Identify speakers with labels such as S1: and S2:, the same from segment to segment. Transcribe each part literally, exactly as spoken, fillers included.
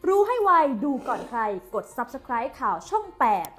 S1: รู้ให้ไวดูก่อนใครกด ซับสไครบ์ ข่าวช่อง แปด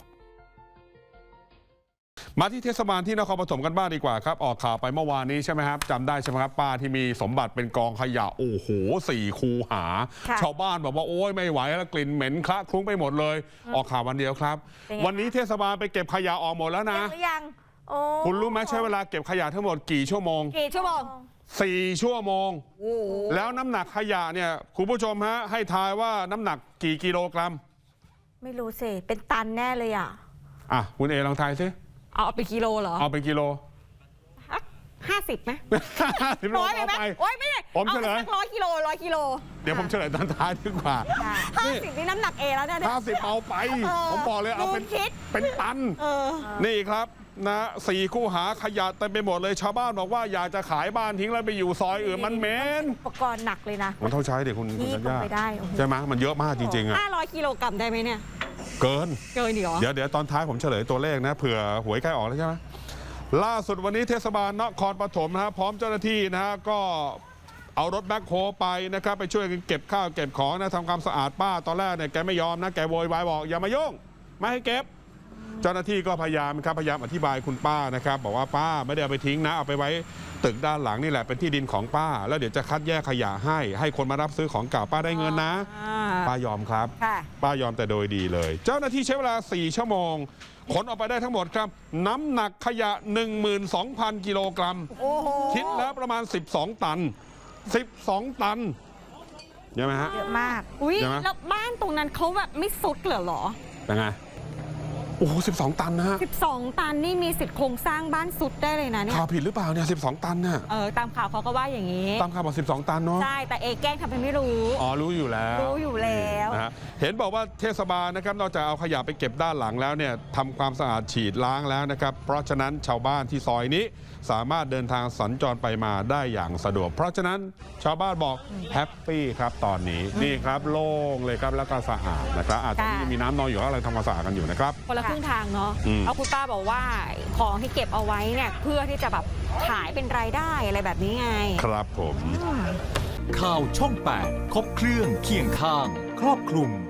S2: มาที่เทศบาลที่นครปฐมกันบ้างดีกว่าครับออกข่าวไปเมื่อวานนี้ใช่ไหมครับจำได้ใช่ไหมครับป้าที่มีสมบัติเป็นกองขยะโอ้โหสี่คูหา ชาวบ้านบอกว่าโอ้ยไม่ไหวแล้วกลิ่นเหม็นคละคลุ้งไปหมดเลย ออกข่าววันเดียวครับ วันนี้เทศบาลไปเก็บขยะออกหมดแล้วนะ
S3: ยังโอ้
S2: คุณรู้ไหมใช้เวลาเก็บขยะทั้งหมดกี่ชั่วโมง
S3: กี่ชั่วโมง
S2: สี่ชั่วโมงแล้วน้ำหนักขยะเนี่ยคุณผู้ชมฮะให้ทายว่าน้ำหนักกี่กิโลกรัม
S3: ไม่รู้สิเป็นตันแน่เลยอ่ะ
S2: อ่ะคุณเอลองทายซิ
S3: เอาเป็นกิโลเหรอ
S2: เอาเป็นกิโล
S3: ห้าสิบไหม
S2: ร้อยไหม
S3: โอ้ยไม่ได้
S2: ผมเฉลย
S3: ร้อยกิโลร้อยกิโล
S2: เดี๋ยวผมเฉลยตอนท้ายดีกว่า
S3: ห้าสิบนี่น้ำหนักเอแล้วเนี่ย
S2: ห้าสิบเอาไปผมบอกเลยเอาเป็นเป็นตันนี่ครับนะสี่คู่หาขยะเต็มไปหมดเลยชาวบ้านบอกว่าอยากจะขายบ้านทิ้งแล้วไปอยู่ซอยอื่นมันเหม็น
S3: อุปกรณ์หนักเลยนะ
S2: มันเท่าใช้เด็กคุณคุณญา
S3: ไม่ได้
S2: ใช่ไหมมันเยอะมากจริงๆอ่ะ
S3: ห้าร้อยกิโลกรัมได้ไหมเนี่ย
S2: เกิน
S3: เกินเหรอ
S2: เดี๋ยวเดี๋ยวตอนท้ายผมเฉลยตัวเลขนะเผื่อหวยใกล้ออกแล้วใช่ไหมล่าสุดวันนี้เทศบาลนครปฐมนะฮะพร้อมเจ้าหน้าที่นะฮะก็เอารถแบ็คโฮไปนะครับไปช่วยกันเก็บข้าวเก็บของนะทำความสะอาดป้าตอนแรกเนี่ยแกไม่ยอมนะแกโวยวายบอกอย่ามายุ่งไม่ให้เก็บเจ้าหน้าที่ก็พยายามครับพยายามอธิบายคุณป้านะครับบอกว่าป้าไม่ได้เอาไปทิ้งนะเอาไปไว้ตึกด้านหลังนี่แหละเป็นที่ดินของป้าแล้วเดี๋ยวจะคัดแยกขยะให้ให้คนมารับซื้อของเก่าป้าได้เงินนะป้ายอมครับป้ายอมแต่โดยดีเลยเจ้าหน้าที่ใช้เวลาสี่ชั่วโมงขนออกไปได้ทั้งหมดครับน้ำหนักขยะ หนึ่งหมื่นสองพัน กิโลกรัมคิดแล้วประมาณสิบสองตันสิบสองตันเยอะไหมฮะ
S3: เยอะมากอุ้ยแล้วบ้านตรงนั้นเขาแบบไม่สุดเหรอหรอ
S2: เป็นไงโอ้โหสิบสองตันนะฮะ
S3: สิบสองตันนี่มีสิทธิ์โครงสร้างบ้านสุดได้เลยนะเนี่ย
S2: ข่าวผิดหรือเปล่าเนี่ยสิบสองตันเนี่ย
S3: เออตามข่าวเขาก็ว่าอย่างนี้
S2: ตามข่าวบอกสิบสองตันเนาะ
S3: ใช่แต่เอแกล้งทำเป็นไม่รู้
S2: อ๋อรู้อยู่แล้ว
S3: รู้อยู่แล้ว
S2: นะฮะเห็นบอกว่าเทศบาลนะครับนอกจากเอาขยะไปเก็บด้านหลังแล้วเนี่ยทำความสะอาดฉีดล้างแล้วนะครับเพราะฉะนั้นชาวบ้านที่ซอยนี้สามารถเดินทางสัญจรไปมาได้อย่างสะดวกเพราะฉะนั้นชาวบ้านบอกแฮปปี้ครับตอนนี้นี่ครับโล่งเลยครับแล้วก็สะอาดนะครับอาจจะมีน้ำนองอยู่อะไรทำความสะอาดกันอยู่นะครับ
S3: คนละครึ่งทางเนาะเอาคุณป้าบอกว่าของที่เก็บเอาไว้เนี่ยเพื่อที่จะแบบขายเป็นรายได้อะไรแบบนี้ไง
S2: ครับผม
S4: ข่าวช่องแปดครบเครื่องเคียงข้างครอบคลุม